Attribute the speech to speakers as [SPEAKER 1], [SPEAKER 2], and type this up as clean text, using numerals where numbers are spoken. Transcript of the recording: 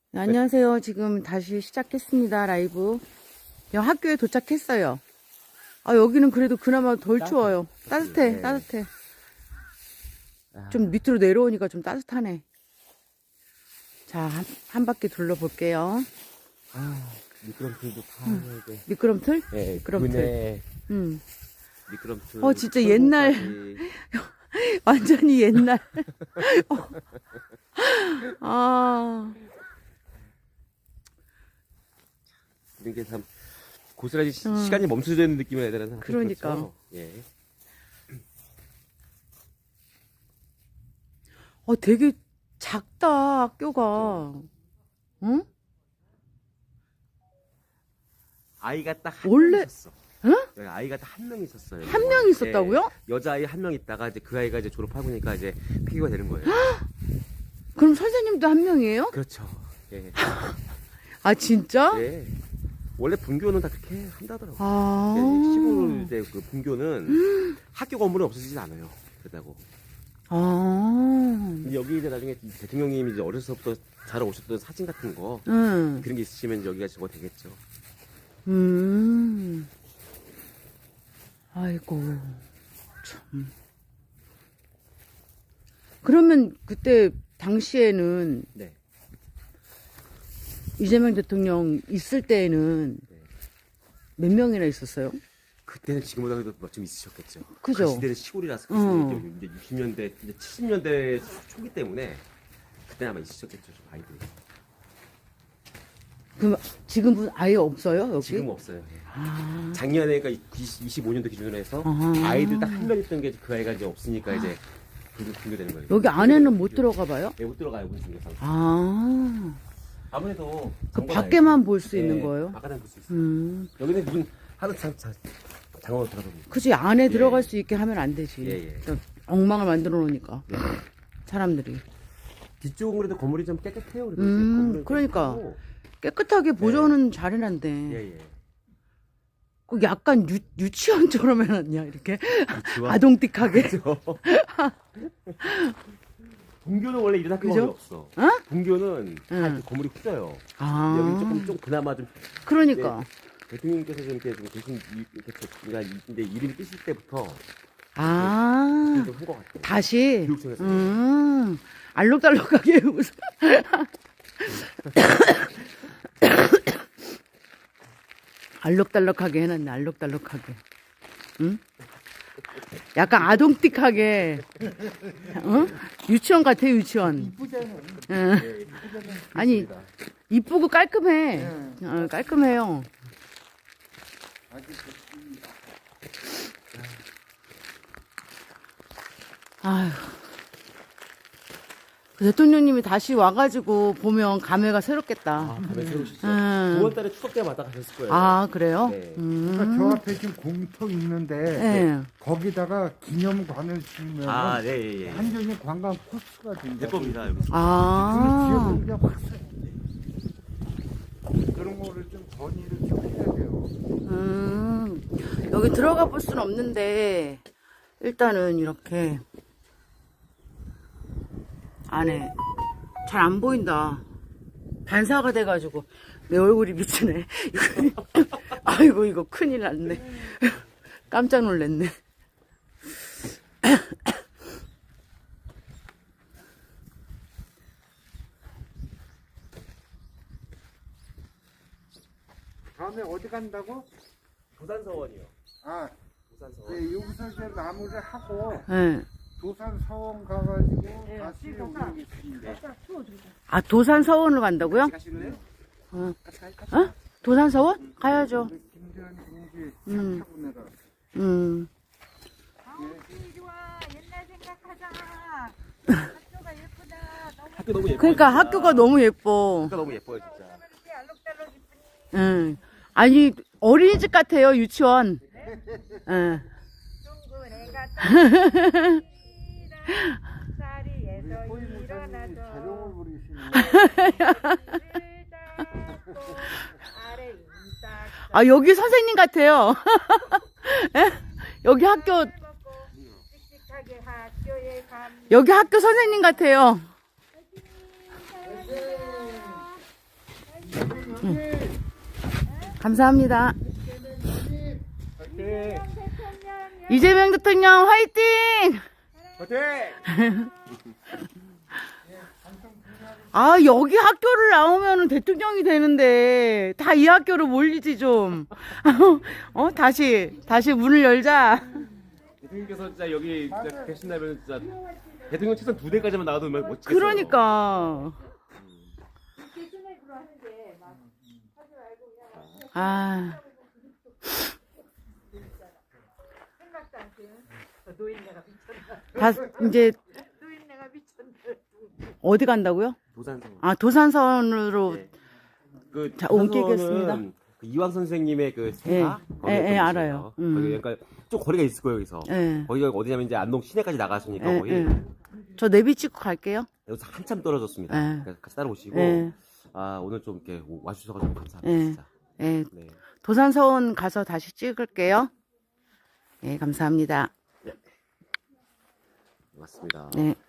[SPEAKER 1] 네, 안녕하세요. 지금 다시 시작했습니다. 라이브. 학교에 도착했어요. 여기는 그래도 그나마 덜 추워요. 따뜻해,
[SPEAKER 2] 네.
[SPEAKER 1] 따뜻해. 좀 밑으로 내려오니까 좀 따뜻하네. 자, 한 바퀴 둘러볼게요.
[SPEAKER 2] 미끄럼틀도 다 이제.
[SPEAKER 1] 미끄럼틀?
[SPEAKER 2] 네,
[SPEAKER 1] 미끄럼틀.
[SPEAKER 2] 그네
[SPEAKER 1] 음.
[SPEAKER 2] 미끄럼틀.
[SPEAKER 1] 진짜 옛날. 완전히 옛날.
[SPEAKER 2] 이런 게 참 고스란히 시간이 멈춰지는 느낌을 내야 되는
[SPEAKER 1] 그러니까.
[SPEAKER 2] 그렇죠? 예.
[SPEAKER 1] 되게 작다, 학교가. 응?
[SPEAKER 2] 아이가 딱 한
[SPEAKER 1] 원래-
[SPEAKER 2] 명 있었어.
[SPEAKER 1] 응?
[SPEAKER 2] 여기 아이가 딱 한 명 있었어요.
[SPEAKER 1] 한 명 있었다고요?
[SPEAKER 2] 예, 여자아이 한 명 있다가 이제 그 아이가 이제 졸업하고 니까 이제 폐교가 되는 거예요.
[SPEAKER 1] 그럼 선생님도 한 명이에요?
[SPEAKER 2] 그렇죠. 예.
[SPEAKER 1] 진짜?
[SPEAKER 2] 예. 원래 분교는 다 그렇게 한다더라고요.
[SPEAKER 1] 아.
[SPEAKER 2] 시골 이제 그 분교는 학교 건물은 없어지진 않아요. 그렇다고. 근데 여기 이제 나중에 대통령님이 이제 어렸을 때부터 자라오셨던 사진 같은 거
[SPEAKER 1] 응.
[SPEAKER 2] 그런 게 있으시면 여기가 저거 되겠죠.
[SPEAKER 1] 아이고, 참. 그러면 그때 당시에는
[SPEAKER 2] 네.
[SPEAKER 1] 이재명 대통령 있을 때에는
[SPEAKER 2] 네.
[SPEAKER 1] 몇 명이나 있었어요?
[SPEAKER 2] 그때는 지금보다도 좀 있으셨겠죠.
[SPEAKER 1] 그죠?
[SPEAKER 2] 그 시대는 시골이라서 이제 60년대, 이제 70년대 초기 때문에 그때 아마 있으셨겠죠, 좀 아이들이.
[SPEAKER 1] 그럼 지금은 아예 없어요, 여기?
[SPEAKER 2] 지금은 없어요. 예. 작년에 그러니까 25년도 기준으로 해서
[SPEAKER 1] 아.
[SPEAKER 2] 아이들 딱 한 명 있던 게 그 아이가 이제 없으니까 이제 분교되는 거예요.
[SPEAKER 1] 여기 안에는 못 들어가 봐요?
[SPEAKER 2] 네, 못 들어가요, 문 중에서. 아무래도
[SPEAKER 1] 그
[SPEAKER 2] 장관
[SPEAKER 1] 밖에만
[SPEAKER 2] 아니죠.
[SPEAKER 1] 볼 수
[SPEAKER 2] 네,
[SPEAKER 1] 있는 거예요?
[SPEAKER 2] 바깥에 볼 수 있어요. 여기는 문 하나 장관으로 들어갑니다.
[SPEAKER 1] 그치, 안에
[SPEAKER 2] 예.
[SPEAKER 1] 들어갈 수 있게 하면 안 되지.
[SPEAKER 2] 예.
[SPEAKER 1] 저 엉망을 만들어 놓으니까. 사람들이.
[SPEAKER 2] 뒤쪽은 그래도 건물이 좀 깨끗해요. 그래도 건물은
[SPEAKER 1] 그러니까.
[SPEAKER 2] 깨끗하고.
[SPEAKER 1] 깨끗하게 보존은 잘해놨대.
[SPEAKER 2] 예.
[SPEAKER 1] 그 약간 유치원처럼 해놨냐, 이렇게.
[SPEAKER 2] 유치원?
[SPEAKER 1] 아동틱하게.
[SPEAKER 2] 분교는 원래 이런 학교가
[SPEAKER 1] 그죠?
[SPEAKER 2] 거의 없어.
[SPEAKER 1] 어?
[SPEAKER 2] 분교는 다
[SPEAKER 1] 응.
[SPEAKER 2] 이렇게 건물이 커져요.
[SPEAKER 1] 아.
[SPEAKER 2] 여기는 조금 그나마 좀
[SPEAKER 1] 그러니까.
[SPEAKER 2] 대통령께서 좀 이렇게 좀 계신 이렇게 이제 이름이 뜨실 때부터
[SPEAKER 1] 아.
[SPEAKER 2] 좀 한 것 같아요.
[SPEAKER 1] 다시.
[SPEAKER 2] 교육청에서.
[SPEAKER 1] 알록달록하게 웃어. 알록달록하게 해놨네, 알록달록하게. 응? 약간 아동틱하게. 유치원 같아, 유치원.
[SPEAKER 3] 이쁘잖아요.
[SPEAKER 1] 응. 아니, 이쁘고 깔끔해. 깔끔해요. 아휴. 그 대통령님이 다시 와가지고 보면 감회가 새롭겠다.
[SPEAKER 2] 밤에 새로우시죠.
[SPEAKER 1] 음.
[SPEAKER 2] 9월달에 추석 때마다 가셨을 거예요.
[SPEAKER 1] 그래요?
[SPEAKER 2] 네.
[SPEAKER 3] 그러니까 저 앞에 지금 공터 있는데
[SPEAKER 1] 네.
[SPEAKER 3] 거기다가 기념관을 지으면
[SPEAKER 2] 예.
[SPEAKER 3] 완전히 관광 코스가 된다.
[SPEAKER 2] 예쁩니다, 여기.
[SPEAKER 3] 지역은 이제 확 그런 거를 좀 건의를 좀 해야 돼요.
[SPEAKER 1] 여기 들어가 볼 수는 없는데, 일단은 이렇게, 안에, 잘 안 보인다. 반사가 돼가지고, 내 얼굴이 비치네. 아이고, 이거 큰일 났네. 깜짝 놀랐네.
[SPEAKER 3] 다음에 어디 간다고?
[SPEAKER 2] 도산서원이요. 도산서원.
[SPEAKER 3] 네, 여기서 이제 마무리를 하고
[SPEAKER 1] 네.
[SPEAKER 3] 도산 서원 가가지고 다시 오겠습니다.
[SPEAKER 1] 도산 서원을 간다고요?
[SPEAKER 2] 가실래요?
[SPEAKER 1] 도산 서원? 가야죠.
[SPEAKER 3] 김대한 동지
[SPEAKER 1] 음.
[SPEAKER 3] 차 타고 내려.
[SPEAKER 4] 이리 와 옛날 생각하자. 학교가 예쁘다. 너무
[SPEAKER 2] 학교 너무 예뻐요.
[SPEAKER 1] 그러니까 학교가 너무 예뻐.
[SPEAKER 2] 학교가 너무 예뻐요, 진짜.
[SPEAKER 4] 이렇게 알록달록 이쁘니.
[SPEAKER 1] 아니, 어린이집 같아요, 유치원. 응.
[SPEAKER 4] 둥근 애가 자리에서
[SPEAKER 3] 자룡을
[SPEAKER 4] 일어나서
[SPEAKER 3] 부리시는
[SPEAKER 4] 아래 인사
[SPEAKER 1] 여기 선생님 같아요. 여기 학교,
[SPEAKER 4] 씩씩하게 학교에 감
[SPEAKER 1] 여기 학교 선생님 같아요. 감사합니다.
[SPEAKER 2] 화이팅!
[SPEAKER 1] 이재명 대통령 화이팅!
[SPEAKER 2] 화이팅!
[SPEAKER 1] 아, 여기 학교를 나오면 대통령이 되는데, 다 이 학교로 몰리지, 좀. 다시 문을 열자.
[SPEAKER 2] 대통령께서 진짜 여기 진짜 계신다면 진짜 대통령 책상 2대까지만 나와도 멋지겠어요.
[SPEAKER 1] 그러니까. 아,
[SPEAKER 4] 생각도 안 돼. 노인네가 미쳤나?
[SPEAKER 1] 다, 이제,
[SPEAKER 4] 노인네가 미쳤나?
[SPEAKER 1] 어디 간다고요?
[SPEAKER 2] 도산성.
[SPEAKER 1] 아, 도산선으로.
[SPEAKER 2] 네. 그
[SPEAKER 1] 자, 옮기겠습니다.
[SPEAKER 2] 그 이황 선생님의 그 세가
[SPEAKER 1] 예, 알아요.
[SPEAKER 2] 거기 그러니까 좀 거리가 있을 거예요, 여기서.
[SPEAKER 1] 예.
[SPEAKER 2] 거기가 어디냐면 이제 안동 시내까지 나가시니까
[SPEAKER 1] 예,
[SPEAKER 2] 거의
[SPEAKER 1] 예. 저 내비 찍고 갈게요.
[SPEAKER 2] 여기서 한참 떨어졌습니다.
[SPEAKER 1] 예.
[SPEAKER 2] 그러니까 같이 따라오시고
[SPEAKER 1] 예.
[SPEAKER 2] 아 오늘 좀 이렇게 와주셔서 좀 감사합니다,
[SPEAKER 1] 예.
[SPEAKER 2] 진짜.
[SPEAKER 1] 예.
[SPEAKER 2] 네.
[SPEAKER 1] 도산서원 가서 다시 찍을게요. 예, 감사합니다.
[SPEAKER 2] 맞습니다.
[SPEAKER 1] 네.